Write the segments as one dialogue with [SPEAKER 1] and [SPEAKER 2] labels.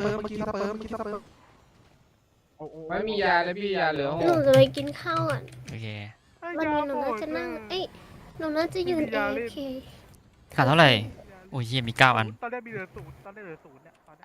[SPEAKER 1] เมื่อกี้สเปิร์ม
[SPEAKER 2] ไม่มียาเลยพี่ยาเหลือ
[SPEAKER 3] หนูจะไปกินข้าวอ่ะ
[SPEAKER 4] โอเค
[SPEAKER 3] วันนี้หนูน่าจะนั่งหนูน่าจะยืนAFK
[SPEAKER 4] ขาดเท่าไหร่โอ้ยเยี่ยมี9 อัน
[SPEAKER 5] ตอนแรกมีเหลือ0ตอนแรกเหลือ0เนี่ยตอนนี้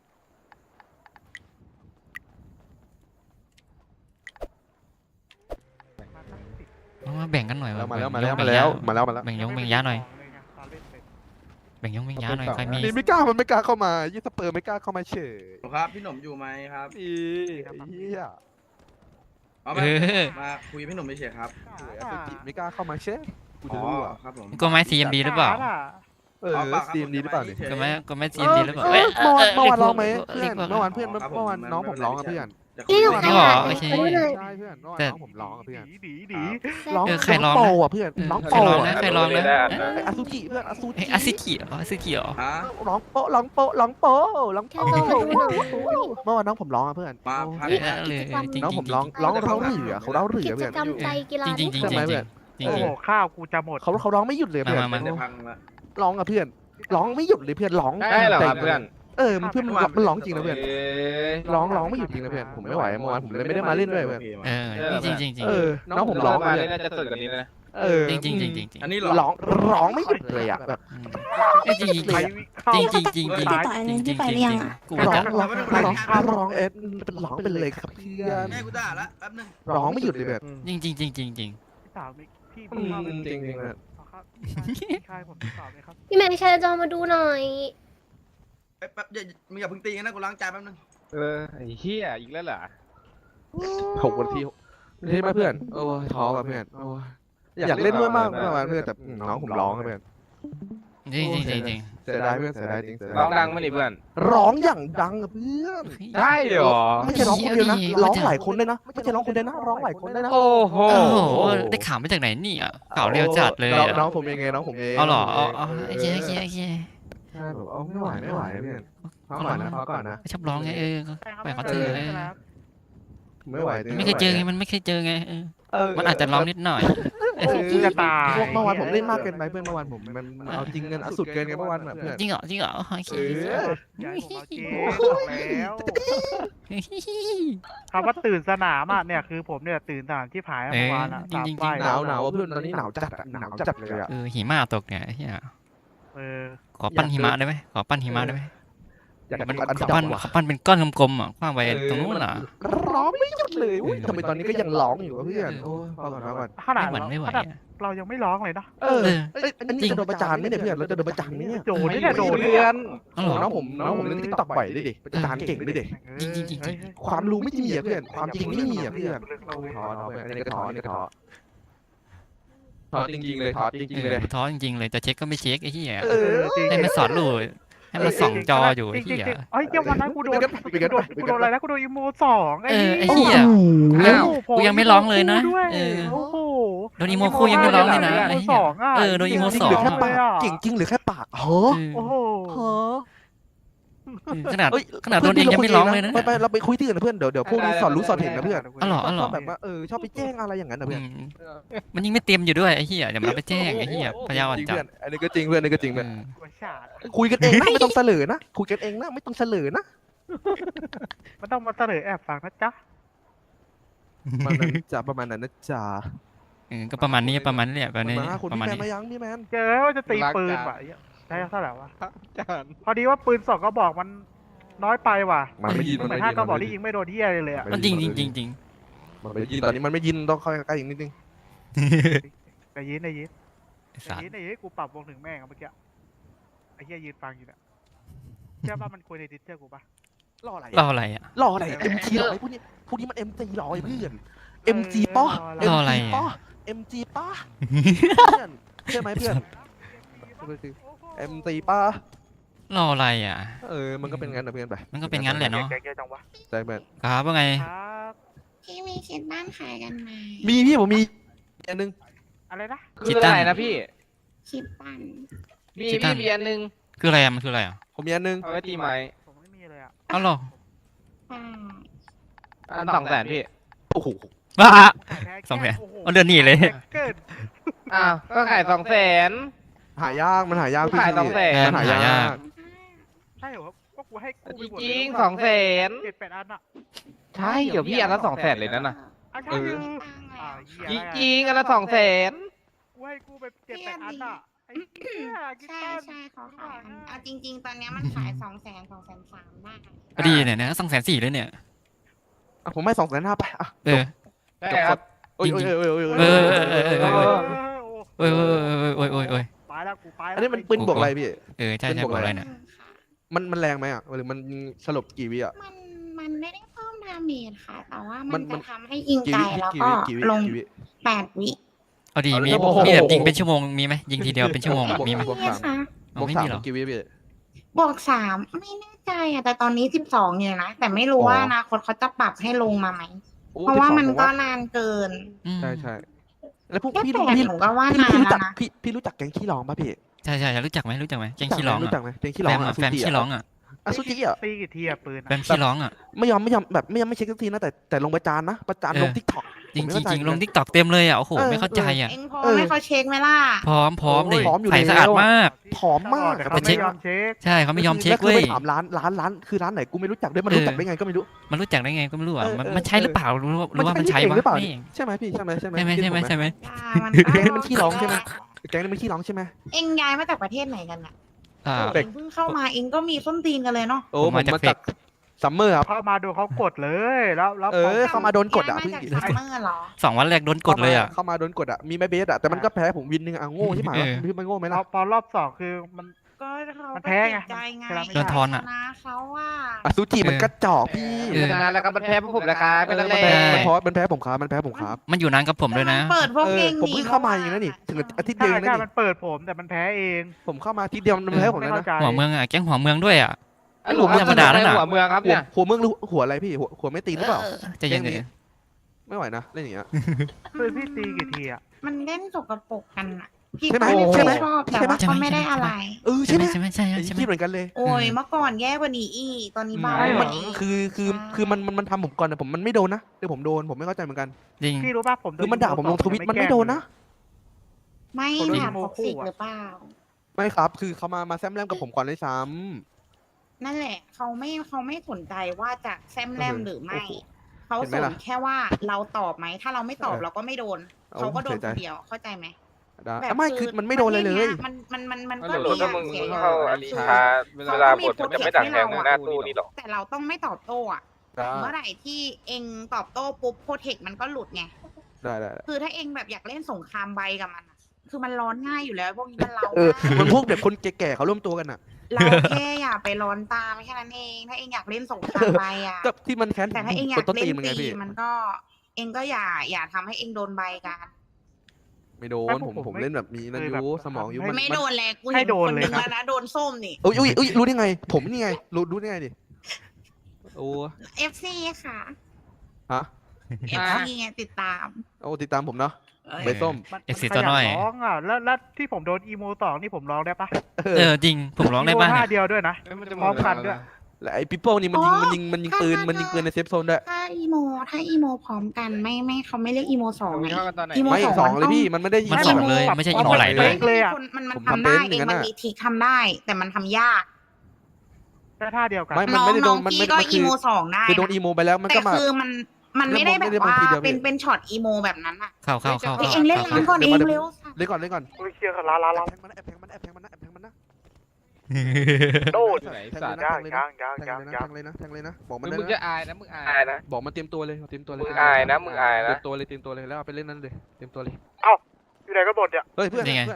[SPEAKER 4] มาแบ่งกันหน่อย
[SPEAKER 1] มาแล้ว
[SPEAKER 4] แบ่งยาหน่อย แบ่งยาหน่อยใครมี
[SPEAKER 1] นี่ไม่กล้ามันไม่กล้าเข้ามายี่สเปิร์มไม่กล้าเข้ามาเฉย
[SPEAKER 2] ครับพี่หนุ่มอยู่ไหมครับ
[SPEAKER 1] อีเหี้ย
[SPEAKER 2] เอา
[SPEAKER 4] เออ
[SPEAKER 2] มาคุยพี่หนุ่มไม่เฉยครับ
[SPEAKER 1] อสุจิไม่กล้าเข้ามาเฉยกู
[SPEAKER 2] อ๋
[SPEAKER 1] จะ
[SPEAKER 2] อ
[SPEAKER 1] รู้อ่ะ
[SPEAKER 2] ครับผม
[SPEAKER 4] ก็ไม้ CMD หรือเปล่า
[SPEAKER 1] ซีมดีหรือเปล่าเนี่ย
[SPEAKER 4] ก็ไม้ CMD หรือเปล่า
[SPEAKER 1] เมื่อวานร้องไหมเพื่อนเมื่อวานเพื่อนเมื่อวานน้องผมร้องอ่ะเพื่อน
[SPEAKER 3] นี่หนู
[SPEAKER 4] จริ
[SPEAKER 3] ข
[SPEAKER 4] งเหรอ
[SPEAKER 3] นาด
[SPEAKER 4] โอเค
[SPEAKER 3] นี้เลย
[SPEAKER 1] ใช่เพื่อนเมื่อวานน้องผมร้องอ่ะเพื่อน
[SPEAKER 5] ดี
[SPEAKER 1] ร้อง
[SPEAKER 4] ใครร้อง
[SPEAKER 1] โป
[SPEAKER 4] นะ
[SPEAKER 1] อ่ะเพื่อนร้อง
[SPEAKER 4] ใคร
[SPEAKER 1] โป
[SPEAKER 4] ลอง
[SPEAKER 1] อ่ะ
[SPEAKER 4] นะใครลองนะ
[SPEAKER 1] อสุจิเพื่อนอสุจิ
[SPEAKER 4] อาซิกิเหรออาซิกิเหรอ
[SPEAKER 2] ฮะ
[SPEAKER 1] ร้องโปร้องโปร้องโปร้องโปเมื่อวานน้องผมร้องอ่ะเพื่อน
[SPEAKER 2] มาพัก
[SPEAKER 4] เลยจริง
[SPEAKER 1] น้องผมร้องเหลือเขาร้องเหลื
[SPEAKER 3] กิ
[SPEAKER 1] อเพื่
[SPEAKER 3] จ
[SPEAKER 1] อน
[SPEAKER 3] กรรมใจกีฬา
[SPEAKER 4] จริงจริงจริงจริงจริง
[SPEAKER 5] โอ้โหข้าวกูจะหมด
[SPEAKER 1] เขาร้องไม่หยุดเลยเพื่อน
[SPEAKER 4] มา
[SPEAKER 2] เดี๋ยวพังละ
[SPEAKER 1] ร้องอ่ะเพื่อนร้องไม่หยุดเลยเพื่อนร้อง
[SPEAKER 6] ได้เหรอครับเพื่อน
[SPEAKER 1] เพื่อนมันร้องจริงนะเพื่อนร้องไม่หยุดจริงนะเพื่อนผมไม่ไหวเมื่อวานผมเลยไม่ได้มาเล่นด้วยเพื่อน
[SPEAKER 4] จริงจริงจริง
[SPEAKER 1] น้องผมร้อง
[SPEAKER 6] มา
[SPEAKER 1] เล
[SPEAKER 6] เล่
[SPEAKER 1] ย
[SPEAKER 6] นน่าจะสุดกว่านี้นะ
[SPEAKER 4] จริงจริงจริงจริง
[SPEAKER 2] อันนี้
[SPEAKER 1] ร้องไม่หยุดเลยอ่ะแบบ
[SPEAKER 4] จริงจริง
[SPEAKER 5] ใครเข้า
[SPEAKER 4] จริงจริงจริงจริงกู
[SPEAKER 1] ร้อ
[SPEAKER 4] จะ
[SPEAKER 1] งเป็นร้องเป็นเลยครับเพื่อน
[SPEAKER 2] แม่กูด่าละแป๊บนึง
[SPEAKER 1] ร้องไม่หยุดเลยแบบ
[SPEAKER 4] จริงจริงจริงจริงจริง
[SPEAKER 5] พี่สาวมีพี่
[SPEAKER 1] จริงจริงนะ
[SPEAKER 5] ครับใช่ผมสาวไหมครับ
[SPEAKER 3] พี่แมงชายจอมาดูหน่อย
[SPEAKER 2] แป๊บมึงอย่าเพิ่งตีกันนะกูล้างจานแป๊บนึง
[SPEAKER 6] ไอ้เหี้ยอีกแล้วเหรอ
[SPEAKER 1] 6 วันที่ใช่ไหมเพื่อนโอ้ท้อว่ะเพื่อนอยากเล่นด้วยมากเมื่อวานเพื่อนแต่น้องผมร้องเพื่อน
[SPEAKER 4] จริงจริงจริงจริง
[SPEAKER 1] เสียดายเพื่อนเสียดายจริง
[SPEAKER 6] ร้องดังมั้ยนี่เพื่อน
[SPEAKER 1] ร้องอย่างดังอะเพื่อน
[SPEAKER 6] ได้เหรอ
[SPEAKER 1] ไม่ใช่ร้องคนเดียวนะร้องหลายคนเลยนะไม่ใช่ร้องคนเดียวนะร้องหลายคนเลยนะ
[SPEAKER 6] โอ้โห
[SPEAKER 4] โอ้โหได้ข่าวมาจากไหนนี่อ่ะข่าวเร็วจัดเลย
[SPEAKER 1] น้องผมเองไงน้องผมเอง
[SPEAKER 4] เอาหรอเอาโอเคโอเคโอเค
[SPEAKER 1] ใช่แบบไม่ไหวเพื่อนพักก่อนนะพักก่อนนะ
[SPEAKER 4] ชอบร้องไงไปขอเธอ
[SPEAKER 1] ไม่ไหว
[SPEAKER 4] ไม่เคยเจอไงมันไม่เคยเจอไงมันอาจจะร้องนิดหน่อย
[SPEAKER 5] กูจะตาย
[SPEAKER 1] เมื่อวานผมเล่นมากเกินไปเพื่อนเมื่อวานผมมันเอาจริงเงินสุดเกินไงเมื่อวานแบบเพื่อน
[SPEAKER 4] จริงเหรอจริงเหรอโอเค
[SPEAKER 5] ยายผมเอาเจ๊แล้วคำว่าตื่นสนามอ่ะเนี่ยคือผมเนี่ยตื่นสนามที่ผายเมื่อวานอ่ะตามป้าย
[SPEAKER 1] หนาวเพื่อนตอนนี้หนาวจัดหนาวจัดเลยอ่ะ
[SPEAKER 4] หิมะตกเนี่ยเฮีย
[SPEAKER 5] เออ
[SPEAKER 4] ขอปั้นหิมะได้ไหมขอปั้นหิมะได้ไหม
[SPEAKER 1] อยาก
[SPEAKER 4] มัน
[SPEAKER 1] อัน
[SPEAKER 4] ขอ
[SPEAKER 1] ดั
[SPEAKER 4] ปั้
[SPEAKER 1] บ
[SPEAKER 4] น
[SPEAKER 1] ว่ะ
[SPEAKER 4] ขอปั้นเป็นก้อนกลมๆอ่ะคว้างไปตรงนู้นอ่ะ
[SPEAKER 1] ร้องไม่หยุดเลยทำไมตอนนี้ก็ยังร้องอยู่เพื่อนโอ้พอก่อนพอก่อน
[SPEAKER 5] ขนาด
[SPEAKER 4] ไม่ไหว
[SPEAKER 5] เรายังไม่ร้องเลยนะ
[SPEAKER 1] อันนี้จะโดนประจานไหมเนี่ยเพื่อนเราจะโดนประจานไหมเนี่ย
[SPEAKER 5] โดนนี่แหละโดน
[SPEAKER 6] เพื่อน
[SPEAKER 1] น้องผมเล่นติ๊กต็อกบ่อยด้วยดิประจานเก่งด้วยดิความรู้ไม่มีอ่ะเพื่อนความจริงไม่มีอ่ะเพื่อนท้อเพื่อนอันนี้ก็ท้ออันนี้ก็ท้อท้อจริงๆเลยท้อจริงๆเลย
[SPEAKER 4] ท้อจริงๆเลยแต่เช็คก็ไม่เช็คไอ้เหี้ย
[SPEAKER 5] จริง
[SPEAKER 4] ให้มันสอนลูกให้มันส่องจออยู่ไอ้เหี้ย
[SPEAKER 5] เอ้ยเจ้าวันนั้นกูโดนอะไรนะกูโดนอีโม2ไอ้
[SPEAKER 4] ไอ้เหี้ยกูยังไม่ร้องเลยนะ
[SPEAKER 5] โอ้โห
[SPEAKER 4] โดนอีโมคู่ยังไม่ร้องเลยนะไอ้
[SPEAKER 5] ส
[SPEAKER 4] เหี้ย
[SPEAKER 5] องอ่ะ
[SPEAKER 4] โดนอีโม
[SPEAKER 1] จริ
[SPEAKER 4] ส
[SPEAKER 1] ง
[SPEAKER 4] อ
[SPEAKER 1] หรือง แค่ปากเก่งจริงหรือแค่ปากเหรอ
[SPEAKER 5] โอ้โห
[SPEAKER 4] ขนาดโดนเองยังไม่ร้องเลยนะ
[SPEAKER 1] ไปเราไปคุยที่อื่นนะเพื่อนเดี๋ยวพวกนี้สอนรู้สอนเห็นนะเพื่อน
[SPEAKER 4] อ๋อเหรอ
[SPEAKER 1] แบบว่าชอบไปแจ้งอะไรอย่างนั้นนะเพื่อน
[SPEAKER 4] มันยิงไม่เต็มอยู่ด้วยไอ้เหี้ยเดี๋ยวมันไปแจ้งไอ้เหี้ยพยาอ่อนจัด
[SPEAKER 1] อันนี้ก็จริงเพื่อนอันนี้ก็จริงเพื่อน
[SPEAKER 5] ฉาด
[SPEAKER 1] คุยกันเองนะไม่ต้องเสลอนะคุยกันเองนะไม่ต้องเสลอนะ
[SPEAKER 5] มันต้องมาเสนอแอบฟังนะจ๊ะ
[SPEAKER 1] ประมาณนั้นจะประมาณนั้นนะจ๊ะ
[SPEAKER 4] ก็ประมาณนี้ประมาณนี้ประมาณนี้
[SPEAKER 1] มาคุณ
[SPEAKER 4] ประ
[SPEAKER 1] พี่
[SPEAKER 4] มาณ
[SPEAKER 1] แมน
[SPEAKER 4] นี้
[SPEAKER 1] มายังพี่แมน
[SPEAKER 5] เจอว่าจะตีปืนว่ะได้เท่าไหร่วะ
[SPEAKER 6] จาน
[SPEAKER 5] พอดีว่าปืน2 กระบอกมันน้อยไปว่ะ
[SPEAKER 1] มันไม่ยิน
[SPEAKER 5] เหมือน5 กระบอกที่ยิงไม่โดนที่อะไรเลยอ่ะ
[SPEAKER 4] มันจริงจริงจริง
[SPEAKER 1] มันไม่ยินตอนนี้มันไม่ยินต้องค่อยใกล้อีกนิดนึง
[SPEAKER 5] ไอ้ยินไอ้ยิน
[SPEAKER 4] สัตว์
[SPEAKER 5] ไอ้ยินกูปรับวงถึงแม่งเมื่อกี้ไอ้เหี้ยยืนฟังอยู่เนี่ยเชื่อป่ะมันคุยในดิสเจอร์กูป่ะ
[SPEAKER 1] รออะไร
[SPEAKER 4] รออะไรอ่ะ
[SPEAKER 1] รออะไร MG รออะไรพวกนี้มัน MG รอไอ้เพื่อน MG ป้อ
[SPEAKER 4] รออะไรอ่ะ
[SPEAKER 1] MG ป้าเพื่อนใช่ไหมเพื่อน MG ป้าร
[SPEAKER 4] ออะไรอ่ะ
[SPEAKER 1] มันก็เป็นงั้นนะเพื่อนไป
[SPEAKER 4] มันก็เป็นงั้นแหละเนาะ
[SPEAKER 5] แกจังวะ
[SPEAKER 1] ใช่เพื่อน
[SPEAKER 4] ครับว่าไง
[SPEAKER 5] ครับ
[SPEAKER 7] พี่มีคิดบ้านขายกันไหม
[SPEAKER 1] มีพี่ผมมีอันนึง
[SPEAKER 5] อะไรนะ
[SPEAKER 6] คืออะไรนะพี่
[SPEAKER 7] คิดบ้าน
[SPEAKER 6] มีอันนึง
[SPEAKER 4] คืออะไรอ่ะมันคืออะไรอ่ะ
[SPEAKER 1] ผมมีอันนึง
[SPEAKER 6] เอาไว้ตีไม้
[SPEAKER 5] ผมไม่มีเลยอ่ะ
[SPEAKER 4] อ้าวหรอ
[SPEAKER 7] อ่า
[SPEAKER 6] อัน200,000พี่
[SPEAKER 1] โอ้โห
[SPEAKER 4] บ้า
[SPEAKER 5] 2
[SPEAKER 4] เอาเดือนหนีเลย
[SPEAKER 5] เกิด
[SPEAKER 6] อ้าวก็ขาย200,000
[SPEAKER 1] หายากมันหายากพี่
[SPEAKER 6] ขาย200,000
[SPEAKER 1] มันหายาก
[SPEAKER 5] ใช่เหรอก็กูกูให้กูไปหมด
[SPEAKER 6] จ
[SPEAKER 5] เลย
[SPEAKER 6] ริง
[SPEAKER 5] นะ
[SPEAKER 6] 200,000
[SPEAKER 5] 7-8 อันอ่ะ
[SPEAKER 6] ใช่เดี๋ยวพี่อันละ200,000เลยนั่นน่ะ
[SPEAKER 5] อ่ะใช่คือ
[SPEAKER 7] ตังค์
[SPEAKER 5] เหี้ย
[SPEAKER 6] จริงๆอันละ200,000
[SPEAKER 5] กูให้กูไป7-8 อันอ่ะไอ้เหี้ยกิน
[SPEAKER 7] ใช่
[SPEAKER 5] ตัน
[SPEAKER 7] ใช่เขาขายกันเอาจริง ๆ ตอนเนี้ยมันขาย200,000 230,000ได้
[SPEAKER 4] พอดีเนี่ย240,000เลยเนี่ย
[SPEAKER 1] อ่ะผมไม่250,000ไปอ่ะ
[SPEAKER 4] เออ
[SPEAKER 6] ได้ครับ
[SPEAKER 1] โอ้ยโอ้ยโอ้ยโอ้ยโอ้ย
[SPEAKER 4] เออ
[SPEAKER 5] โอ้
[SPEAKER 4] โอ้ยโอ้ยโอ้ยโอ้ย
[SPEAKER 5] ตายแล้วกูตายแล้ว
[SPEAKER 1] อันนี้มันปืนบวกอะไรพี่
[SPEAKER 4] เออใช่ใช่บอกอะไรเนี่ย
[SPEAKER 7] ค่ะ
[SPEAKER 1] มันแรงไหมอ่ะหรือมันสลบกี่วิอ่ะ
[SPEAKER 7] มันไม่ได้เพิ่มดาเมจค่ะ แต่ว่า
[SPEAKER 1] มั
[SPEAKER 7] มัน
[SPEAKER 1] น
[SPEAKER 7] จะทำให้ยิง
[SPEAKER 1] กี่
[SPEAKER 7] ไกล
[SPEAKER 1] วิ
[SPEAKER 7] แล้ว
[SPEAKER 1] กี่
[SPEAKER 7] ก็
[SPEAKER 1] วิกี่วิ
[SPEAKER 7] ลง
[SPEAKER 1] กี่วิ
[SPEAKER 7] 8 วิ
[SPEAKER 4] เอาดีมี
[SPEAKER 1] โอ้โห
[SPEAKER 4] มีแบบยิงเป็นชั่วโมงมีไหมยิงทีเดียวเป็นชั่วโมงอะมีไหม
[SPEAKER 1] บวก
[SPEAKER 7] นี่
[SPEAKER 1] สาม
[SPEAKER 7] ค่ะ
[SPEAKER 1] บวก
[SPEAKER 4] ไม่
[SPEAKER 1] สาม
[SPEAKER 4] มีหรอ
[SPEAKER 1] กี่วิพี่
[SPEAKER 7] บวก3ไม่แน่ใจอะแต่ตอนนี้12อยู่นะ แต่ไม่รู้ว่าอนาคตเขาจะปรับให้ลงมาไหม
[SPEAKER 1] โอ้
[SPEAKER 7] เพราะว่า
[SPEAKER 1] 12
[SPEAKER 7] มัน
[SPEAKER 1] ผ
[SPEAKER 7] ก็นานเกิน
[SPEAKER 1] ใช่ใช่แล้วพวก
[SPEAKER 7] แค่
[SPEAKER 1] พี่
[SPEAKER 7] แป
[SPEAKER 1] รู้
[SPEAKER 7] ด
[SPEAKER 1] พี่
[SPEAKER 7] หนูก็ว่า
[SPEAKER 1] พี่
[SPEAKER 7] นาน
[SPEAKER 1] รู้
[SPEAKER 7] แล้
[SPEAKER 1] จั
[SPEAKER 7] ว
[SPEAKER 1] ก
[SPEAKER 7] นะ
[SPEAKER 1] พี่รู้จักแก๊งขี้ร้องป่ะพี่
[SPEAKER 4] ใช่ใช่รู้จักไหมรู้จักไหมแก๊งขี้ร้อง
[SPEAKER 1] รู้
[SPEAKER 4] อ่ะ
[SPEAKER 1] จักไหมแก๊งขี้
[SPEAKER 4] แฟ
[SPEAKER 1] ร้อง
[SPEAKER 4] ม
[SPEAKER 1] อ่ะ
[SPEAKER 4] อะแฟมขี้ร้องอ่ะ
[SPEAKER 1] อะซูจิอ่ะ
[SPEAKER 5] ตีกี่ทีอะปืน
[SPEAKER 4] แฟมขี้ร้องอ่ะ
[SPEAKER 1] ไม่ยอมไม่เช็คสักทีนะแต่ลงประจานนะประจานลงทิกตอก
[SPEAKER 4] จริงจริงลงทิกตอกเต็มเลยอ่ะโอ้โหไม่เข้าใจอ่ะ
[SPEAKER 7] เอ็งพอไม่เขาเช็คไหมล่ะ
[SPEAKER 4] พร้อมเลย
[SPEAKER 1] พร้อมอยู่
[SPEAKER 4] ใส่
[SPEAKER 1] แล้ว
[SPEAKER 4] สะอาดมาก
[SPEAKER 1] ผอมมาก
[SPEAKER 5] แต่
[SPEAKER 1] อะ
[SPEAKER 5] เขาไม่ยอมเช็ค
[SPEAKER 4] ใช่เขาไม่ยอมเช็ค
[SPEAKER 1] แล้วคือ
[SPEAKER 4] เว้ย
[SPEAKER 1] ไปถามร้านคือร้านไหนกูไม่รู้จักด้วยมันรู้จักได้ไงก็ไม่รู้
[SPEAKER 4] มันรู้จักได้ไงก็ไม่รู้อ่ะ
[SPEAKER 1] เออ
[SPEAKER 4] มันใช่หรือเปล่ารู้ว่ามันใช่
[SPEAKER 1] เก่ง
[SPEAKER 4] วะ
[SPEAKER 1] หรือเปล่า
[SPEAKER 4] ไม่
[SPEAKER 1] ใช่ไหมพี่ใช่ไหม
[SPEAKER 4] ใช่ไหมใช่ไหมใช่ไหม
[SPEAKER 7] จ้ามัน
[SPEAKER 1] แก๊งนี้มันขี้ร้องใช่ไหมแก๊งนี้มันขี้ร้องใช่ไหม
[SPEAKER 7] เอ็งย้ายมาจากประเทศไหนกันน่ะ
[SPEAKER 4] อ่า
[SPEAKER 1] เด็
[SPEAKER 7] เอ็งเพิ่งเข้ามาเอ็งก็มีส้นตีนกันเลยเนาะ
[SPEAKER 1] โอ้
[SPEAKER 4] ผม
[SPEAKER 1] ผม
[SPEAKER 4] มาจาก
[SPEAKER 1] มาจากซัมเมอร์ครับ
[SPEAKER 5] เข้ามาดูเขากดเลยแล้ว
[SPEAKER 1] เข้ามาโดนกดอ่ะ
[SPEAKER 7] ย้าย
[SPEAKER 1] พี่
[SPEAKER 7] มาจากซัมเมอร์เหรอ
[SPEAKER 4] 2 วันแรกโดนกดเลยอ่ะ
[SPEAKER 1] เข้ามาโดนกดอ่ะมีไม่เบสอ่ะแต่มันก็แพ้ผมวินนึงอ่ะโง่ใช่ไหม
[SPEAKER 4] เออ
[SPEAKER 1] พี่มันโง่ไหม
[SPEAKER 5] เรา
[SPEAKER 1] ล่ะ
[SPEAKER 5] พอรอบ2คือมัน
[SPEAKER 7] ก็เขา
[SPEAKER 5] มันแพ้ไง
[SPEAKER 7] ก็ติดใจไง
[SPEAKER 4] โดนทอนอะ
[SPEAKER 7] ชนะเขาว่า
[SPEAKER 1] อะซูจิมันกระจอกพี่
[SPEAKER 4] เออ
[SPEAKER 6] ชนะแล้วก็มันแพ้พวกผมราคาเป็นนั่นแหละ
[SPEAKER 1] มันแพ้ผมครับมันแพ้ผมครับ
[SPEAKER 4] มันอยู่นานกับผมด้วยนะ
[SPEAKER 7] เปิดพวก
[SPEAKER 1] เออ
[SPEAKER 7] เอง
[SPEAKER 1] ผมเพิ่งเข้ามาอย่างนั้นนี่ถึงอาทิตย์เดี
[SPEAKER 5] ใช่
[SPEAKER 1] ยวเอง
[SPEAKER 5] ใช่
[SPEAKER 1] นะ
[SPEAKER 5] มั
[SPEAKER 1] นี่
[SPEAKER 5] นเปิดผมแต่มันแพ้เอง
[SPEAKER 1] ผมเข้ามาอาทิตย์เดียวมันแพ้ผม
[SPEAKER 5] ไม่
[SPEAKER 1] แล้ว
[SPEAKER 5] เข้า
[SPEAKER 1] นะ
[SPEAKER 5] ใจ
[SPEAKER 4] หัวเมืองอ่ะแก๊งหัวเมืองด้วยอ่ะ
[SPEAKER 6] หัว
[SPEAKER 4] ธรรมดานั่นน่ะ
[SPEAKER 6] หัวเมืองครับเนี่ย
[SPEAKER 1] หัวเมืองหรือหัวอะไรพี่หัวไม่ตีนหรือเปล่า
[SPEAKER 4] ใจเย็นเลย
[SPEAKER 1] ไม่ไหวนะเล่นอย่างเงี้ย
[SPEAKER 5] คือพี่ตีกี่ทีอะ
[SPEAKER 7] มันเล่นสกปรกกันอ่ะพี่
[SPEAKER 1] ใช่ไหม
[SPEAKER 7] ก็ไม่
[SPEAKER 1] ใช่ไหม
[SPEAKER 7] ชอบแต่ว่าก็ไม่ได้อะไร
[SPEAKER 4] ใช่ไห
[SPEAKER 1] ใช่ไห
[SPEAKER 4] ม
[SPEAKER 1] ม
[SPEAKER 4] ใช่ไหมใช่ไหมใช่ไหม
[SPEAKER 1] คิดเหมือนกันเลย
[SPEAKER 7] โอ้ยเมื่อก่อนแย่กว่านี้อีกตอนนี้เบา
[SPEAKER 5] ใช่
[SPEAKER 7] ก
[SPEAKER 5] เหรอ
[SPEAKER 7] ว่านี้
[SPEAKER 1] คือมันทำผมก่อนแต่ผมมันไม่โดนนะแต่ผมโดนผมไม่เข้าใจเหมือนกัน
[SPEAKER 4] จริง
[SPEAKER 5] พี่รู้ป่ะผมโ
[SPEAKER 1] คือมันด่าผมลงทวิตมันไม่โดนนะ
[SPEAKER 7] ไม่
[SPEAKER 5] คนโดน
[SPEAKER 7] ค่ะ
[SPEAKER 5] โม
[SPEAKER 7] ท็อก
[SPEAKER 5] คู่
[SPEAKER 7] ซิก
[SPEAKER 5] อะ
[SPEAKER 7] หรือเปล่า
[SPEAKER 1] ไม่ครับคือเขามาแซมแรมกับผมก่อนเลยซ้
[SPEAKER 7] นั่นแหละเขาไม่สนใจว่าจะแซมแรมหรือไม่
[SPEAKER 1] โอ้โห
[SPEAKER 7] เขา
[SPEAKER 1] เห็นไห
[SPEAKER 7] ส
[SPEAKER 1] ม
[SPEAKER 7] น
[SPEAKER 1] ล่ะ
[SPEAKER 7] แค่ว่าเราตอบไหมถ้าเราไม่ตอบ
[SPEAKER 1] เออ
[SPEAKER 7] เราก็ไม่โดน
[SPEAKER 1] เอา
[SPEAKER 7] เขาก็โดน
[SPEAKER 1] เสียใจ
[SPEAKER 7] คนเดียวเข้าใจไหม
[SPEAKER 1] ำได้ไม่คือมันไม่โดนเลยเลย
[SPEAKER 7] มัน
[SPEAKER 6] ฮั
[SPEAKER 7] ก็
[SPEAKER 6] ลโหล
[SPEAKER 7] ดี
[SPEAKER 6] ถ้า
[SPEAKER 7] อะ
[SPEAKER 6] มึง
[SPEAKER 7] เสีย
[SPEAKER 6] เข้า
[SPEAKER 7] อย่าง
[SPEAKER 6] อาลี
[SPEAKER 7] คือ
[SPEAKER 6] ชาเวลาบทมันจะไม่ดักแทงในหน้าตู้นี่หรอก
[SPEAKER 7] แต่เราต้องไม่ตอบโต้อะเมื่อไหร่ที่เองตอบโต้ปุ๊บโปรเทคมันก็หลุดไง
[SPEAKER 1] ได้
[SPEAKER 7] คือถ้าเองแบบอยากเล่นสงครามใบกับมันอะคือมันร้อนง่ายอยู่แล้ว พวกนี้มันเรา
[SPEAKER 1] เออ
[SPEAKER 7] มาก
[SPEAKER 1] มันพวกแบบคนแก่ๆเขาร่วมตัวกันอ่ะ
[SPEAKER 7] เราแค่อย่าไปร้อนตามแค่นั้นเอง ถ้าเองอยากเล่นสงครามใบอะ
[SPEAKER 1] ก็ที่มันแค้น
[SPEAKER 7] แต่ถ้าเองอยา
[SPEAKER 1] คน
[SPEAKER 7] ก
[SPEAKER 1] ต้น
[SPEAKER 7] เล่
[SPEAKER 1] ตี
[SPEAKER 7] น
[SPEAKER 1] นมันไง
[SPEAKER 7] ตี
[SPEAKER 1] พี่
[SPEAKER 7] มันก็ เองก็อย่าทำให้เองโดนใบกัน
[SPEAKER 1] ไม่โดนผมเล่นแบบมีนั่นอยู่สมองอยู่มัน
[SPEAKER 7] ไม่โดนแหละกู
[SPEAKER 5] ให้
[SPEAKER 7] เห็น
[SPEAKER 5] โด
[SPEAKER 7] คน น
[SPEAKER 5] เล
[SPEAKER 7] ห
[SPEAKER 5] ย
[SPEAKER 7] นึ่ง
[SPEAKER 5] ครับ
[SPEAKER 7] แล้วนะโดนส้มนี่
[SPEAKER 1] อุ้ยรู้ได้ไง ผมนี่ไงรู้ได้ไงดิโอ้
[SPEAKER 7] FC ค่ะ
[SPEAKER 1] ฮะ
[SPEAKER 7] FC ไงติดตาม
[SPEAKER 1] โอ้ติดตามผมเนาะ
[SPEAKER 7] เอ้ย
[SPEAKER 1] ใบส้ม
[SPEAKER 4] เอฟซีตัวน้อย
[SPEAKER 5] ขยัร้องอะแล้วที่ผมโดนอีโม2นี่ผมร้องได้ปะ
[SPEAKER 4] จริงผมร้องได้บ้าง
[SPEAKER 5] ท่า
[SPEAKER 4] เนี่ย
[SPEAKER 5] เดียวด้วยนะ พร้อมกันด้วย
[SPEAKER 1] และไอ้ปิโป้นี่มันยิงปืนในเซฟโซนด้วย
[SPEAKER 7] ถ้าอีโมพร้อมกันไม่เขาไม่เรียกอีโม2ไง
[SPEAKER 6] เข้ากันตอนไหน
[SPEAKER 7] อีโม
[SPEAKER 1] ไม่สองเลยพี่มันไม่ได้ยิง
[SPEAKER 4] มัน
[SPEAKER 1] แบ
[SPEAKER 4] สอง
[SPEAKER 1] บ
[SPEAKER 4] เลยไม่ใช่อีโมไหลด้วย
[SPEAKER 5] เลยอะ
[SPEAKER 7] มัน
[SPEAKER 1] ผม
[SPEAKER 7] ทำได้
[SPEAKER 1] ทำเป็น
[SPEAKER 7] เอง
[SPEAKER 1] อย่างนั้น
[SPEAKER 7] มัน
[SPEAKER 1] อะ
[SPEAKER 7] มีทริคทำได้ แต่มันทำยาก
[SPEAKER 5] แต่ท่าเดียวกัน
[SPEAKER 1] ไม่ มัน
[SPEAKER 7] น้อง
[SPEAKER 1] ไม่ได้โด
[SPEAKER 7] น้อน ง
[SPEAKER 1] มัน
[SPEAKER 7] พี่
[SPEAKER 1] ไม่
[SPEAKER 7] ก็
[SPEAKER 1] มันคื
[SPEAKER 7] อี
[SPEAKER 1] อ
[SPEAKER 7] โม2ได้
[SPEAKER 1] คือโดน
[SPEAKER 7] นะ
[SPEAKER 1] อีโมไปแล้วมัน
[SPEAKER 7] แต่
[SPEAKER 1] ก็มา
[SPEAKER 7] คือมันไม่ได้แบบ
[SPEAKER 1] ไม่ได้
[SPEAKER 7] ว่า
[SPEAKER 1] มาทีเดียว
[SPEAKER 7] เป็นช็อตอีโมแบบนั้นอะ
[SPEAKER 4] เข้า
[SPEAKER 7] เฮ้ยเองเล่นร้านก่อนเองเร็วสัตว์
[SPEAKER 1] เล่นก่อน
[SPEAKER 5] อุ้ยเชียร์กันล้า
[SPEAKER 1] แทงมันนะแทงมันนะ
[SPEAKER 5] โดด
[SPEAKER 6] ไหน
[SPEAKER 1] แทง
[SPEAKER 6] สัตว์
[SPEAKER 1] เลยนะแทงเลยนะบอกมัน
[SPEAKER 6] มึง
[SPEAKER 1] เลย
[SPEAKER 6] จะ
[SPEAKER 1] นะ
[SPEAKER 6] อายนะมึงอายนะ
[SPEAKER 1] บอกมันเตรียมตัวเลยเตรียมตัวเลย
[SPEAKER 6] มึงอายนะมึงอายนะ
[SPEAKER 1] เตรียมตัวเลยแล้วเอาไปเล่นนั้นเลยเตรียมตัวเลย
[SPEAKER 5] อยู่ไหนก็บดเนี่ย
[SPEAKER 1] เฮ้ยเพื่อน
[SPEAKER 4] นี่ไง
[SPEAKER 1] เพื่อน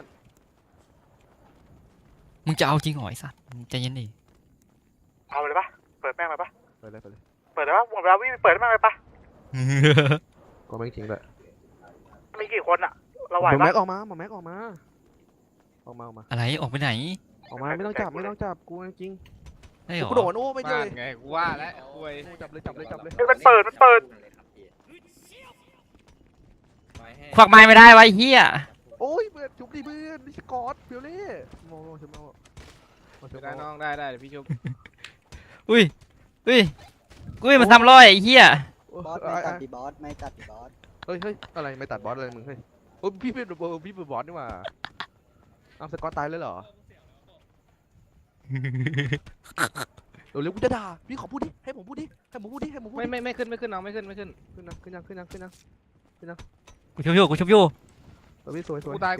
[SPEAKER 4] มึงจะเอาจริงเหรอไอ้สัตว์ใจเย็นดิ
[SPEAKER 5] เอาเลยปะเปิดแม่งเลยปะ
[SPEAKER 1] ไปเลย
[SPEAKER 5] เปิดเลยปะหมดเวลาวิ่งเปิดแม่งเลยปะ
[SPEAKER 1] ก็ไม่ทิ้งเลย
[SPEAKER 5] มีกี่คนอะเราไหว
[SPEAKER 1] หมอ
[SPEAKER 5] ปะ
[SPEAKER 1] แม็กออกมา
[SPEAKER 4] อะไรออกไปไหน
[SPEAKER 1] ไม่ต้องจับกูจริง
[SPEAKER 4] ได้เหรอ
[SPEAKER 1] กูโดนโอ้ไม่เจ
[SPEAKER 6] บ้า
[SPEAKER 1] อน
[SPEAKER 6] ไงกูว่าแล้วคุย
[SPEAKER 1] จับเลย
[SPEAKER 5] เฮ้ยมันเปิด
[SPEAKER 4] ควักไม้ไม่ได้ไวะไอ้เฮีย
[SPEAKER 1] โอ้ยเพื่อนชุบดิเพื่อนนี่สกอตเพียวเล่มองชุบเอา
[SPEAKER 6] ได้น้องได้เดี๋ยวพี่ชุบ
[SPEAKER 4] อุ้ยมันทำร้อยไอ้เฮีย
[SPEAKER 8] บอสไม่ตัดดิบอสไม่ตัดดิบอส
[SPEAKER 1] เฮ้ยอะไรไม่ตัดบอสอะไรมึงเฮ้ยโอ้พี่เป็นบอสนี่หว่าเอาสกอตตายเลยเหรอเร็วกูจะด่าพี่ขอพูดดิให้ผมพูดดิให้ผมพูดดิให้ผมพูดดิ
[SPEAKER 6] ไม่ขึ้นน้องไม่ขึ้น
[SPEAKER 1] ขึ้นยัง
[SPEAKER 4] กูชุบอยู่
[SPEAKER 1] สวย
[SPEAKER 6] กูตาย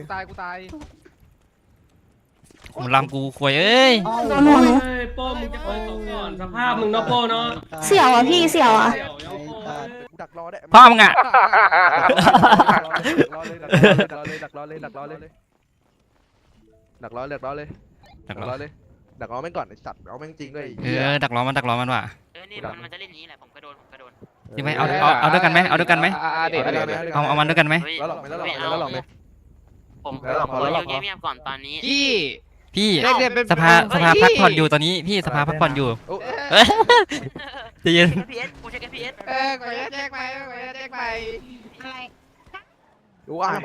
[SPEAKER 4] ผมลำกูควยเอ้ย
[SPEAKER 9] โป้มึงจะเปิดตัวก่อนสภาพมึงเนาะโป้เนาะ
[SPEAKER 3] เสี่ยวอ่ะพี่เสี่ยวอ่ะ
[SPEAKER 1] กูดักรอได้
[SPEAKER 4] พ่อมึงอ่ะ
[SPEAKER 1] ดักรอเลยดักรอแม่งก่อนไอ้สัตว์เอาแม่งจริงด้วย
[SPEAKER 4] ดักล้อมันว่ะ
[SPEAKER 10] นี่มันจะเล่นนี้แหละผมก็โดน
[SPEAKER 4] ที่ไม่เอาด้วยกันไหมเอามันด้วยกันไหม
[SPEAKER 1] แล้วหลอกไหม
[SPEAKER 10] ผมเงียบๆก่อนตอนนี้
[SPEAKER 4] พี่
[SPEAKER 6] เด็กเป็น
[SPEAKER 4] สภาพักผ่อนอยู่ตอนนี้พี่สภาพักผ่อนอยู่ใจะเย็น
[SPEAKER 10] PS กูใช้ PS
[SPEAKER 6] ขอแจ้งไป
[SPEAKER 7] อะไร
[SPEAKER 1] วาย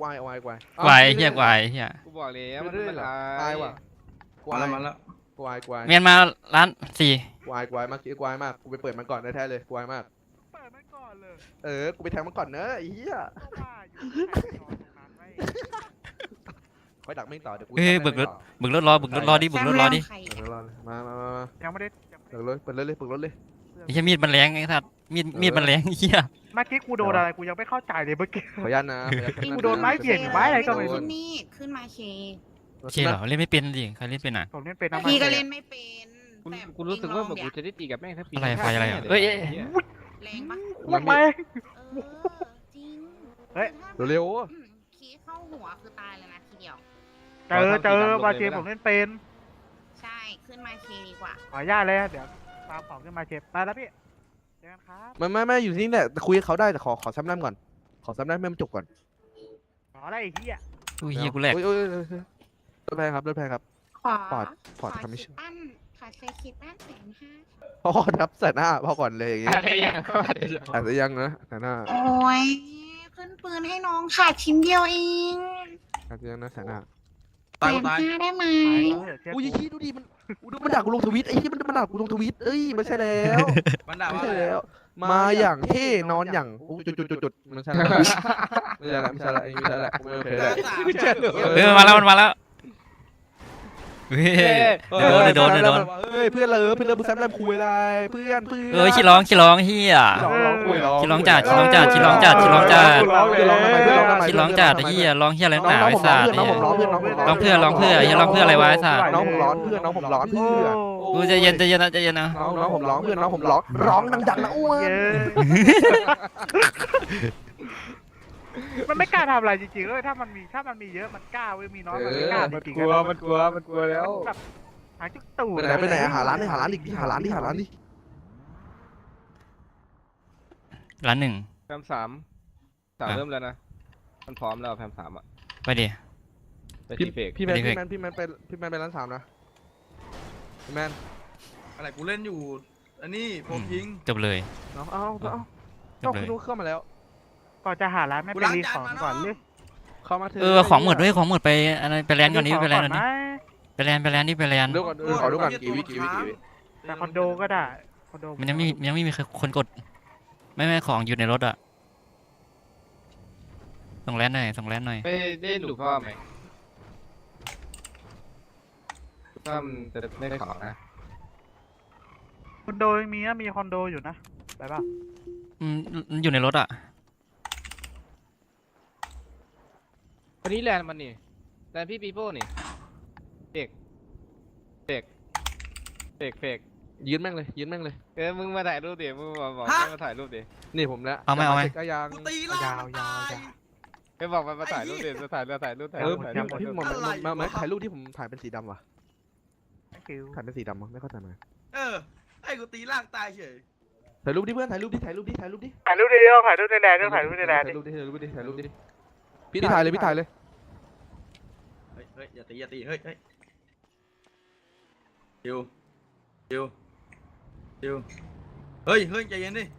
[SPEAKER 4] กวายเฮียกวายเฮีย
[SPEAKER 6] กูบอกแล้วมัน
[SPEAKER 1] ตายว่ะ
[SPEAKER 2] มาแล้ว
[SPEAKER 4] เมียนมาร้าน4
[SPEAKER 1] กวายมากกูไปเปิดมันก่อนแท้เลยกวายมาก
[SPEAKER 5] เปิดมันก่อนเลย
[SPEAKER 1] กูไปแทงมันก่อนเนอะไอ้เหี้ย
[SPEAKER 5] ก็ว่าอยู่ใครจะนอนตรงนั้นไว้
[SPEAKER 1] ค่อยดักแม่งต่อเดี๋ยวกู
[SPEAKER 4] บึกรถรอดิบึกรถรอดิ
[SPEAKER 1] มา
[SPEAKER 5] ยังไม่ได้
[SPEAKER 1] เปิดเลยเปิดรถเลย
[SPEAKER 4] ไอ้เฮียมีดมันแรงไอ้สัตว์มีดมันแรงเฮีย
[SPEAKER 5] เมื่อกี้กูโดนอะไรกูยังไม่เข้าใจเลยเมื่อกี้
[SPEAKER 1] ขออนุญาตนะ
[SPEAKER 5] กูโดนไม้เบี่ยงหรือไม้อะไรก็ไม่รู้
[SPEAKER 7] ขึ้นนี่ขึ้นมาเค
[SPEAKER 4] เชี่ยเหรอเล่นไม่เป็นดิใครเล่นเป็นอ่ะ
[SPEAKER 5] ผมเล่นเป็นน้ำมัน
[SPEAKER 7] พี่ก็เล่นไม่เป็นแต่
[SPEAKER 6] กูรู้สึกว่าแบบกูจะได้ตีกับแม่งถ้าปี
[SPEAKER 4] อะไรไฟอะไรเอ้ย
[SPEAKER 7] แรงปะ
[SPEAKER 5] พูดไหม
[SPEAKER 7] จริง
[SPEAKER 1] เร็ว
[SPEAKER 7] คีเข้าหัวคือตายเลยนะทีเดียว
[SPEAKER 5] เจอมาเชฟผมเล่นเป็น
[SPEAKER 7] ใช่ขึ้นมาเคดีกว่า
[SPEAKER 5] ขออนุญาตเลยเดี๋ยวตามของขึ้นมาเชฟไปแล้วพี่เจอกันครับ
[SPEAKER 1] ไม่อยู่ที่นี่แหละคุยกับเขาได้แต่ขอซ้ำน้ำก่อนขอซ้ำน้ำให้มันจบก่อน
[SPEAKER 5] ขออะไรไอ้เหี้ย
[SPEAKER 4] อุ้ยเฮียกูแหลก
[SPEAKER 1] รถแพงครับ
[SPEAKER 7] ขอ
[SPEAKER 1] ปอด
[SPEAKER 7] ขอ
[SPEAKER 1] คำไม่
[SPEAKER 7] คิ
[SPEAKER 1] ใช่
[SPEAKER 7] ดตั้นขอเซคิดตั้น150,000
[SPEAKER 1] พ่อนับใส่หน้าพ่อก่อนเลยอย่างงี้
[SPEAKER 6] อะไรอย่าง
[SPEAKER 1] อาจจะยังนะใส่หน้า
[SPEAKER 7] โอ้ยขึ้นปืนให้น้องขาดชิ้นเดียวเอง
[SPEAKER 1] อาจจะยังนะใส่หน้า
[SPEAKER 2] ตาย
[SPEAKER 7] 150,000ได้ไหม
[SPEAKER 1] อุ้ยขี้ดูดิมันด่ากูลงทวิตไอ้ที่มันด่ากูลงทวิตเอ้ยไม่ใช่แล้ว
[SPEAKER 2] มันด่า
[SPEAKER 1] ไม่
[SPEAKER 2] ว่า
[SPEAKER 1] ใช่แล้ว มาอย่างเท่นอนอย่างจุดไม่ใช่แล้วไม่ใช่แล้วไม่โอเคแล้ว
[SPEAKER 4] มาแล้วเฮ้ยโดน
[SPEAKER 1] เฮ้ยเพื่อนเพื่อนแซมแลมคุยอะไรเพื่อน
[SPEAKER 4] ขี้ร้องเฮีย ขี้ร้องจัดขี้ร้องจัดไอ้เฮียร้องอะไรหนาไอ้สัตว์
[SPEAKER 1] น้องผมร้องเพื่อน
[SPEAKER 4] ร้องเพื่อไอ้เฮียร้องเพื่ออะไรวะไอ้สัตว์
[SPEAKER 1] น้องผมร้อนเพื่อนน้องผมร้อนเพื่อน
[SPEAKER 4] กูจะเย็นนะ
[SPEAKER 1] น้องผมร้องเพื่อนน้องผมร้องดังๆนะอ้วน
[SPEAKER 5] มันไม่กล้าทำอะไรจริงๆเลยถ้ามันมีเยอะมันกล้าเว้ยมีน้อยมันไม่กล้าจริงๆ
[SPEAKER 6] มันกลัวแล้ว
[SPEAKER 5] แบบหาจุดตู่
[SPEAKER 1] ไปไหนหาร้านดิหาร้านดิ
[SPEAKER 4] ร้าน1
[SPEAKER 6] แพม3เริ่มแล้วนะมันพร้อมแล้วแพม3อ่ะ
[SPEAKER 4] ไปดิ
[SPEAKER 6] ไปทีเฟก
[SPEAKER 1] พี่แมนไปร้าน3นะพี่แมน
[SPEAKER 2] อะไรกูเล่นอยู่อันนี้ผมยิง
[SPEAKER 4] จบเลย
[SPEAKER 1] เข้ามาแล้ว
[SPEAKER 5] ก่อนจะหาร้านไม่ไปรีของก่อนเลย
[SPEAKER 1] เข้ามาเถ
[SPEAKER 4] ของหมดด้วยของหมดไปอะไรไปแลนด์ก่อนนี้ไปแลนด์ก่อนนี้ไปแลนด์
[SPEAKER 1] ดูก่อนขอดูก่อนกี่วิ
[SPEAKER 5] แต่คอนโดก็ได้คอนโด
[SPEAKER 4] มันยังไม่มีคนกดไม่ของอยู่ในรถอ่ะส่งแลนด์หน่อย
[SPEAKER 6] ไม่ได้ดูพ่อไหมพ่อมันจะไม่ได้ของนะ
[SPEAKER 5] คอนโดยังมีคอนโดอยู่นะไปป่ะ
[SPEAKER 4] อยู่ในรถอ่ะ
[SPEAKER 6] วันนี้แลนด์มันนี่แลนด์พี่ปีโป้นี่เฟก
[SPEAKER 1] ยืนแม่งเลย
[SPEAKER 6] มึงมาถ่ายรูปดิมึงบอกมาถ่ายรูปดิ
[SPEAKER 1] นี่ผมแล้ว
[SPEAKER 4] เอาไหม
[SPEAKER 1] ก็ยัง
[SPEAKER 2] กูตีล่างตาย
[SPEAKER 6] ไปบอกมาถ่ายรูปดิจะถ่ายรูป
[SPEAKER 1] พี่หมอนมาถ่ายรูปที่ผมถ่ายเป็นสีดำว่ะ
[SPEAKER 5] คิว
[SPEAKER 1] ถ่ายเป็นสีดำวะไม่เข้าใจไหม
[SPEAKER 2] ไอ้กูตีล่างตายเฉย
[SPEAKER 1] ถ่ายรูปดิเพื่อนถ่ายรูปดิ
[SPEAKER 5] ถ่ายรูปในแลนด์ถ่ายรูปในแลนด์
[SPEAKER 1] ถ่ายรูปดิพี่ถ่ายเลย
[SPEAKER 2] เฮ้ยอย่าตีเฮ้ยชิวเฮ้ยใจเย็นดิ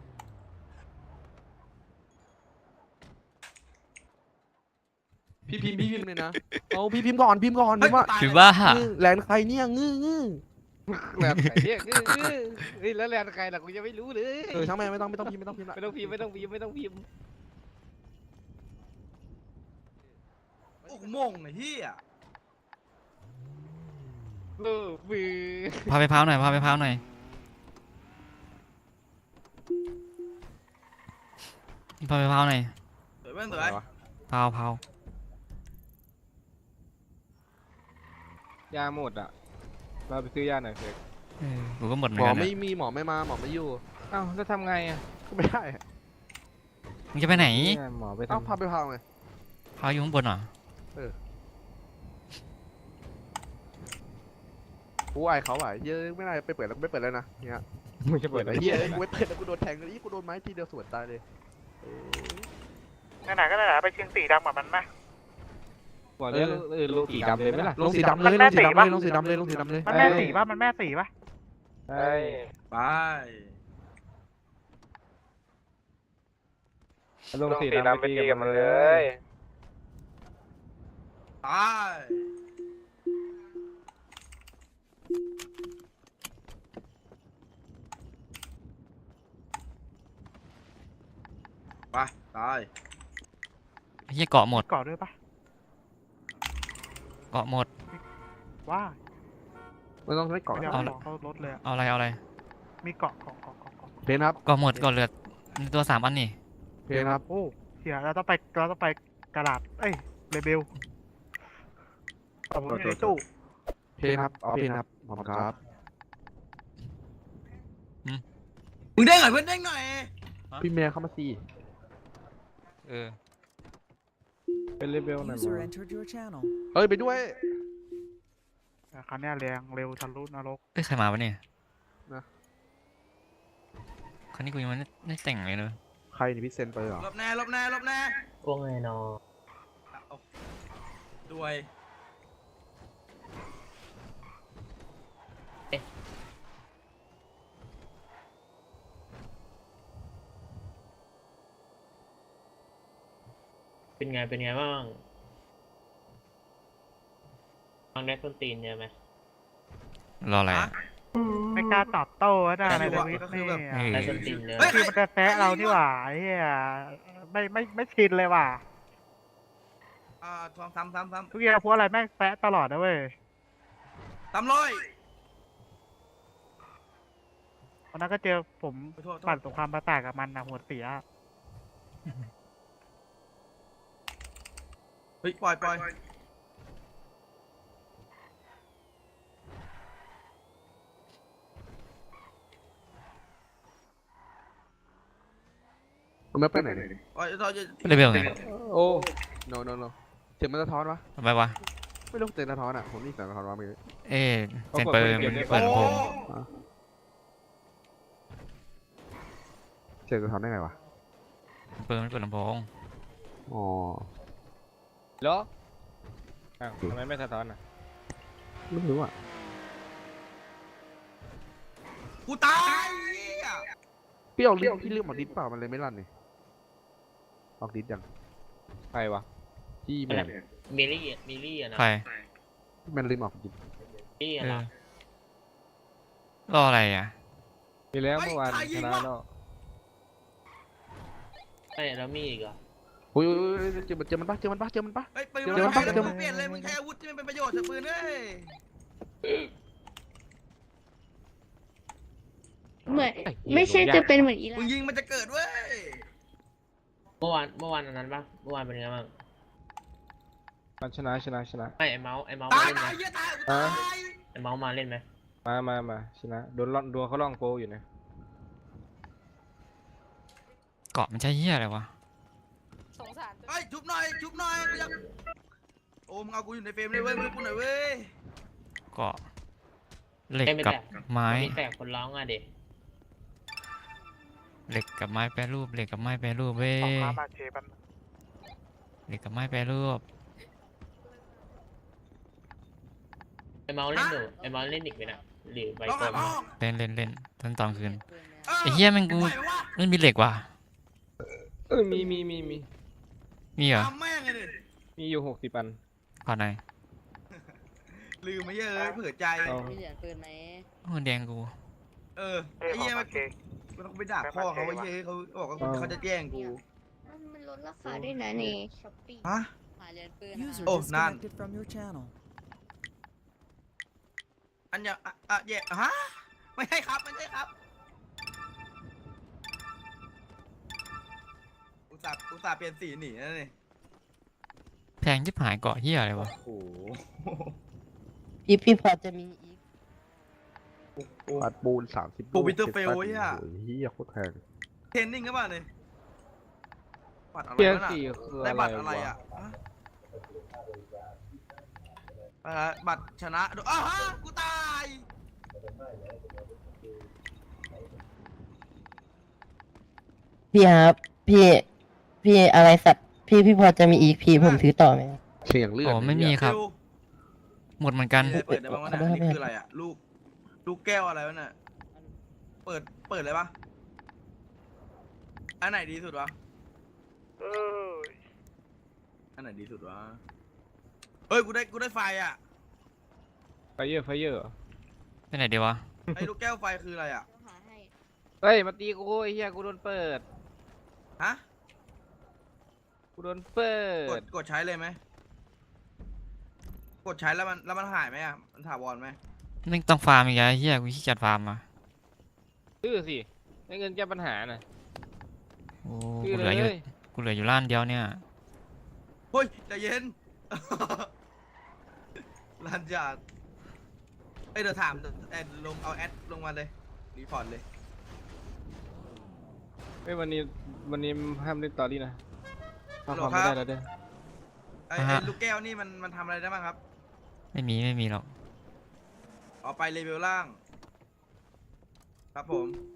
[SPEAKER 1] พี่พิมพ์เลยนะเอาพี่พิมพ์ก่อนพิมพ์ว่า
[SPEAKER 4] คือว่า
[SPEAKER 1] แลนใครเนี่ยงื้อ
[SPEAKER 6] แลนด์ใครเนี่ยแล้วแลนด์ใครล่ะกูยังไม่รู้เลย
[SPEAKER 1] ช่างแม่ไม่ต้องพิมพ์
[SPEAKER 6] ไม่ต้องพิมพ์
[SPEAKER 2] โอ้โหมงไอ้เหี้ย
[SPEAKER 6] มือ
[SPEAKER 4] พาไปพาวหน่อยพาไปเผาหน่อย
[SPEAKER 2] สวยเพื่อนสวย
[SPEAKER 4] เผาเผาย
[SPEAKER 6] าหมดอ่ะเราไปซื้อยาหน่อยเถอะ
[SPEAKER 4] กูก็หมดเหมื
[SPEAKER 1] ห
[SPEAKER 4] อ
[SPEAKER 1] ม
[SPEAKER 4] น
[SPEAKER 1] อ
[SPEAKER 4] กัน
[SPEAKER 1] ไม่
[SPEAKER 4] เนี่ย
[SPEAKER 1] มีหมอไม่มาหมอไม่อยู่
[SPEAKER 6] เอ้าแล้วทำไงอ่ะ
[SPEAKER 1] ก็ไม่ได้
[SPEAKER 4] มึงจะไปไหน
[SPEAKER 6] เนี่ยหมอไป
[SPEAKER 1] เอ้า
[SPEAKER 6] ทำ
[SPEAKER 1] พาไปพาไง
[SPEAKER 4] เผาอยู่ข้างบนเหรอ
[SPEAKER 1] กูอายเขาอ่ะเยอะไม่ได้ไปเปิดแล้วไม่เปิดแล้วนะเนี่ย
[SPEAKER 6] มึงจะเปิ
[SPEAKER 1] เปิ
[SPEAKER 6] ด
[SPEAKER 1] ด
[SPEAKER 6] อะไร
[SPEAKER 1] ไอ้เหี้ยกูไม่เปิดแล้วกูโดนแทงเลยกูโดนไม้ทีเดียวสวนตายเลย
[SPEAKER 5] ไหนๆก็ไหนๆไปเชียงสีดำกับมันไหม
[SPEAKER 6] บอกเลยลูกสีดำเลยไหมล่ะ
[SPEAKER 1] ลงสีดำเลยลงสีดำเลยลงสีดำเลยลงสีดำเลย
[SPEAKER 5] มันแม่สีป่ะมันแม่สีป่ะ
[SPEAKER 6] ใช่
[SPEAKER 2] ไป
[SPEAKER 6] ลูกสีดำไปตีกับมันเลย
[SPEAKER 2] ไปไปตาย
[SPEAKER 4] ไอ้เหี้ยเกาะหมด
[SPEAKER 5] เกาะด้วยป่ะ
[SPEAKER 4] เกาะหมด
[SPEAKER 5] ว่า
[SPEAKER 1] ไม่ต้องใช้เกาะ
[SPEAKER 5] เดี๋ยว
[SPEAKER 4] เอา
[SPEAKER 5] เขารถเลยอะ
[SPEAKER 4] เอาอะไรเอาอะไร
[SPEAKER 5] มีเกาะ
[SPEAKER 1] เพนครับ
[SPEAKER 4] เกาะหมดเกาะเหลือในตัว3 อันนี่
[SPEAKER 1] เพนครับ
[SPEAKER 5] โอ้เฮียเราต้องไปกระดาษเอ้ยเรเบลเอาผมอยู่ในตู้
[SPEAKER 1] เพนครับเอาเพนครับขอบคุณครับ
[SPEAKER 2] มึงเด้งหน่อยเพื่อนเด้งหน่อย
[SPEAKER 1] พี่เมียเข้ามาสิ
[SPEAKER 6] เป็นเลเวลหน่อย
[SPEAKER 1] เอ้ยไปด้วย
[SPEAKER 5] คันนี้แรงเร็วทะลุนรก
[SPEAKER 4] เอ้ยใครมาวะเนี่ย
[SPEAKER 1] นะ
[SPEAKER 4] คันนี้กูยังไม่แต่งเลยเนอะ
[SPEAKER 1] ใครนี่พี่เซนไปเหรอ
[SPEAKER 2] หลบแน่หลบแน่หลบแน่
[SPEAKER 8] ว่าไงนอ
[SPEAKER 2] ด้วย
[SPEAKER 8] เป็นไงบ้างฟังได้ต้นตีนเยอะไหม
[SPEAKER 4] รออะไรอะ
[SPEAKER 5] ไม่กล้าตอบโต้นะในทวิตนี่
[SPEAKER 8] ได้ต้นตีนเยอะ
[SPEAKER 5] คือมันจะแซะเรานี่หว่าไอ้เฮียไม่ชินเลยว่ะ
[SPEAKER 2] ซ้ำ
[SPEAKER 5] ทุกอย่างพวกอะไรแม่งแซะตลอดนะเว้ย
[SPEAKER 2] ซ้ำร้อย
[SPEAKER 5] วันนั้นก็เจอผม
[SPEAKER 2] โทษ
[SPEAKER 5] ปั่นสงครามประสาทกับมันนะหัวเสีย
[SPEAKER 2] เฮ้ยปล่อย
[SPEAKER 1] มันไม่ไปไหนเลย
[SPEAKER 2] ปล่อย
[SPEAKER 4] เลเวลไง
[SPEAKER 6] โอ้
[SPEAKER 1] no เสียงมันสะท้อนวะ
[SPEAKER 4] ทำไมวะ
[SPEAKER 1] ไม่รู้เสียงสะท้อนอ่ะผมนี่เสียงสะท้อนวะเมื่อกี้
[SPEAKER 4] เอ๊ะเสียงเปิดเปิดลำโพง
[SPEAKER 1] เสียงสะท้อนได้ไงวะ
[SPEAKER 4] เปิดลำโพง
[SPEAKER 1] อ๋อ
[SPEAKER 6] เหรออ้าวทำไมไม่สะท้อนอ่ะ
[SPEAKER 1] ไม่รู้อ่ะ
[SPEAKER 2] กูตายเหี้ย
[SPEAKER 1] พี่เอาลิ้นพี่เลือกหมดลิ้นเปล่ามันเลยไม่ลั่นนี่ออกลิ้นยัง
[SPEAKER 6] ใครวะ
[SPEAKER 1] พี่แมน
[SPEAKER 8] มิลลี่อะนะ
[SPEAKER 4] ใคร
[SPEAKER 1] แมนลิ้นออกลิ้น
[SPEAKER 8] มิลลี่อะ
[SPEAKER 4] เอ
[SPEAKER 8] นะ
[SPEAKER 4] อรออะไรอ่ะ
[SPEAKER 6] มีแล้วเมื่อวานชนะแล้ว
[SPEAKER 8] ไม่แล้วมีอีกเหรอ
[SPEAKER 1] โอ้ยเจอมันปะ
[SPEAKER 2] เฮ้ยปืน
[SPEAKER 1] เดี๋ยว
[SPEAKER 2] มัน
[SPEAKER 1] เดี๋ยว
[SPEAKER 2] มึงเปลี่ยนเลยมึงใช้อาวุธที่มันเป็นประโยชน์เถอะปืนเอ้ย
[SPEAKER 3] เหมือนไม่ใช่จะเป็นเหมือนอี
[SPEAKER 2] มึ
[SPEAKER 3] ลาง
[SPEAKER 2] ยิงมันจะเกิดเว้ย
[SPEAKER 8] เมื่อวานอันนั้นปะเมื่อวานเป็นไงบ้าง
[SPEAKER 6] มันชนะ
[SPEAKER 8] ไม่ไอเมาส์
[SPEAKER 2] ตาย
[SPEAKER 8] มาเล่นไหม
[SPEAKER 2] ตายเหี้ยตายกูตาย
[SPEAKER 8] ไอเมาส์มาเล่นไหม
[SPEAKER 6] มาชนะโดนเขาล่องโปอยู่นะ
[SPEAKER 4] เกาะมันใช่เหี้ยอะไรวะ
[SPEAKER 2] เฮ้ยชุบหน่อยกูอยากโอ้มึงเอากูอยู่ในเฟรมเลยเว้ยมึงกูหน่อยเว้ย
[SPEAKER 4] เกาะเหล็กกับไม้
[SPEAKER 8] มีแต่คนร้องอ่ะเด็ก
[SPEAKER 4] เหล็กกับไม้แปรรูปเหล็กกับไม้แปรรูปเว้ย
[SPEAKER 5] สงครามมาเชปัน
[SPEAKER 4] เหล็กกับไม้แปรรูป
[SPEAKER 8] ไอเมาส์เล่นอยู่ไอเมาส์เล่นอีกไหมนะหรือใบ
[SPEAKER 2] ร้อง
[SPEAKER 8] กล
[SPEAKER 2] หาม พ่อ
[SPEAKER 4] เล่นตอนคืน
[SPEAKER 2] เออ
[SPEAKER 4] ไอ้เหี้ยแมันกู
[SPEAKER 2] ปล่อยวะ
[SPEAKER 4] ไม่มีเหล็กว่ะ
[SPEAKER 6] มี
[SPEAKER 4] มีเหรอ
[SPEAKER 2] ทำแม่งเลยดิ
[SPEAKER 6] มีอยู่60 อัน
[SPEAKER 4] ขอไหนอย
[SPEAKER 2] ลืมไม่เยอะเลยเผื่อใจ
[SPEAKER 6] เอา
[SPEAKER 3] มีเหรียญปืนไหม
[SPEAKER 4] โอ้แดงกู
[SPEAKER 2] เออไอ้เหี้ยมันต้องไปด่าพ่อเขาไอ้เหี้ยเขาบอกว่าเขาจะแย่งกู
[SPEAKER 3] มันลดราคาด้วยนะนี่ช้อปปี้
[SPEAKER 2] ฮะ
[SPEAKER 3] หาเหรียญปืน
[SPEAKER 2] โอ้นั่นอันเนี้ยแย่ฮะไม่ใช่ครับอุตส่าห์เปลี่ยนสีหนีนะนี่
[SPEAKER 4] แพงชิบหายเกาะเฮียอะไรวะ
[SPEAKER 2] โอ้โห
[SPEAKER 11] พี่พอจะมีอีก
[SPEAKER 1] ปัดปูน30
[SPEAKER 2] ปูวิเตอร์เฟลไอ้เหี้ย
[SPEAKER 1] เฮียโคตรแพง
[SPEAKER 2] เทรนนิ่งก็บ้าเลยบัตรอะไร
[SPEAKER 6] เทียร์
[SPEAKER 2] วะน่ะ
[SPEAKER 6] สี่คือ
[SPEAKER 2] ได้
[SPEAKER 6] อะไร
[SPEAKER 2] บัตรอะไร
[SPEAKER 6] วะ
[SPEAKER 2] อ่ะบัตรชนะดูอ้าวฮะกูตาย
[SPEAKER 11] พี่ครับ พี่อะไรสัตว์พี่พอจะมีอีกพี่ผมถือต่อไหม
[SPEAKER 1] เสียงเลือด
[SPEAKER 4] โอ้ไม่มีครับ
[SPEAKER 2] เร็ว
[SPEAKER 4] หมดเหมือนกัน
[SPEAKER 2] มีอะไรเปิดได้บ้างวะเนี่ย
[SPEAKER 11] ขอโทษ
[SPEAKER 2] อันนี่
[SPEAKER 11] ครับ
[SPEAKER 2] คืออะไรอ่ะลูกแก้วอะไรวะเนี่ยเปิดเลยปะอันไหนดีสุดวะอันไหนดีสุดวะเฮ้ยกูได้ไฟอ่ะ
[SPEAKER 6] ไฟเยอร์
[SPEAKER 4] ไปไหนดีวะ
[SPEAKER 2] ไอ้ลูกแก้วไฟคืออะไรอ่ะ
[SPEAKER 6] เฮ้ยมาตีกูไอ้เหี้ยกูโดนเปิด
[SPEAKER 2] ฮะ
[SPEAKER 6] กูโดนเปิด
[SPEAKER 2] กดใช้เลยไหมกดใช้แล้วมันหายไหมอ่ะมันถาวรไหม
[SPEAKER 4] ไม่ต้องฟาร์มอีกแล้วไอ้เฮียกูขี้เกียจฟาร์มมา
[SPEAKER 6] ซื้อสิได้เงินแก้ปัญหาน่ะ
[SPEAKER 4] โอ้
[SPEAKER 6] ซื้อ
[SPEAKER 4] กูเห
[SPEAKER 6] เล
[SPEAKER 4] ลืออยู่
[SPEAKER 6] ย
[SPEAKER 4] กูเหลืออยู่ล้านเดียวเนี่ย
[SPEAKER 2] เฮ้ยใจเย็น ลันจัดเอ้ยเดี๋ยวถามลงเอาแอดลงมาเลยรีพอร์ตเลย
[SPEAKER 6] เฮ้ยวันนี้ห้ามเล่นตอรี่นะถ้า
[SPEAKER 2] ฮัลโหล
[SPEAKER 6] ความไม่
[SPEAKER 2] ครั
[SPEAKER 6] ได้
[SPEAKER 2] บ
[SPEAKER 6] แล้วเด้อ
[SPEAKER 2] ไอ้ลูกแก้วนี่มันทำอะไรได้บ้างครับ
[SPEAKER 4] ไม่มีหรอก
[SPEAKER 2] เอาไปเลเวลล่าง ครับผม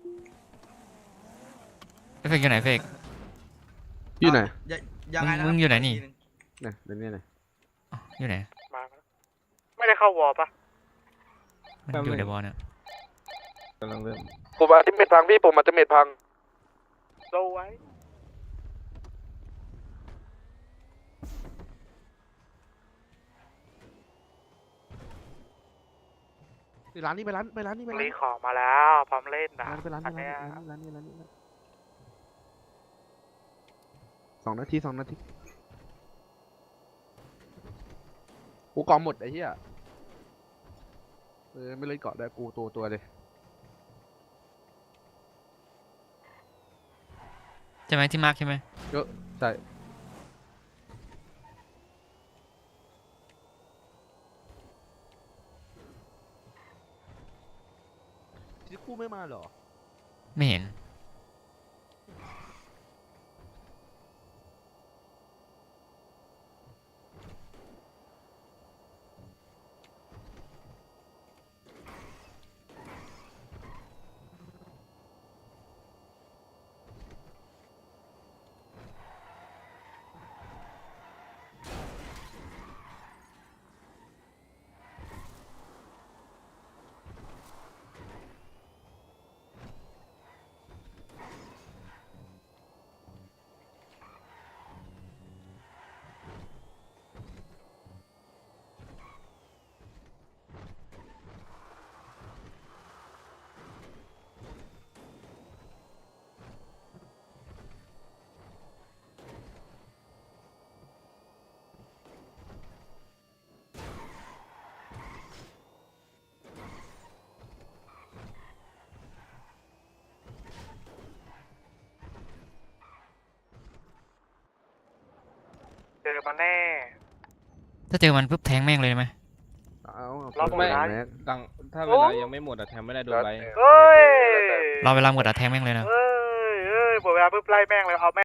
[SPEAKER 4] เฟกอยู่ไหนเฟก
[SPEAKER 1] อยู่ไหน
[SPEAKER 2] ยังไงนะ
[SPEAKER 4] มึงอยู่ไหนนี่
[SPEAKER 2] กทีง
[SPEAKER 1] เนี่ยเดี๋ยวนี้ไหน
[SPEAKER 4] อ๋ออยู่ไหน
[SPEAKER 5] ไม่ได้เข้าวอลปะ
[SPEAKER 4] มันอยู่ในบอลเนี่ย
[SPEAKER 6] กำลังเริ่ม
[SPEAKER 1] ผมอาจจะเม็ดพังพี่ผมอาจจะเม็ดพัง
[SPEAKER 5] โลไว้
[SPEAKER 1] ร้านนี้ไปร้านนี้ไปร้าน
[SPEAKER 5] รี
[SPEAKER 1] นี้
[SPEAKER 5] ของมาแล้วพร้อมเล่นนะ
[SPEAKER 1] ไปร้าน
[SPEAKER 5] อัน
[SPEAKER 1] นี้
[SPEAKER 5] เนี้ย
[SPEAKER 1] ร้านนี้2 นาทีกูกองหมดไอ้เหี้ยไม่เลยเกาะได้กูตัวเลย
[SPEAKER 4] ใช่ไหมที่มาร์คใช่ไหม
[SPEAKER 1] เยอะใช่ที่กูไม่มาเหรอ
[SPEAKER 4] ไม่เห็น
[SPEAKER 5] เจอมาแน่
[SPEAKER 4] ถ้าเจอมันปุ๊บแทงแม่งเลยไหม
[SPEAKER 5] ล็อกไม่
[SPEAKER 6] ตังถ้าเวลายังไม่หมดอะแทงไม่ได้โดนไว้
[SPEAKER 5] เฮ้ย
[SPEAKER 4] เราเวลาหมดอะแทงแม่งเลยนะ
[SPEAKER 5] เฮ้ยหมดเวลาปุ๊บไล่แม่งเลยเอาแม่ง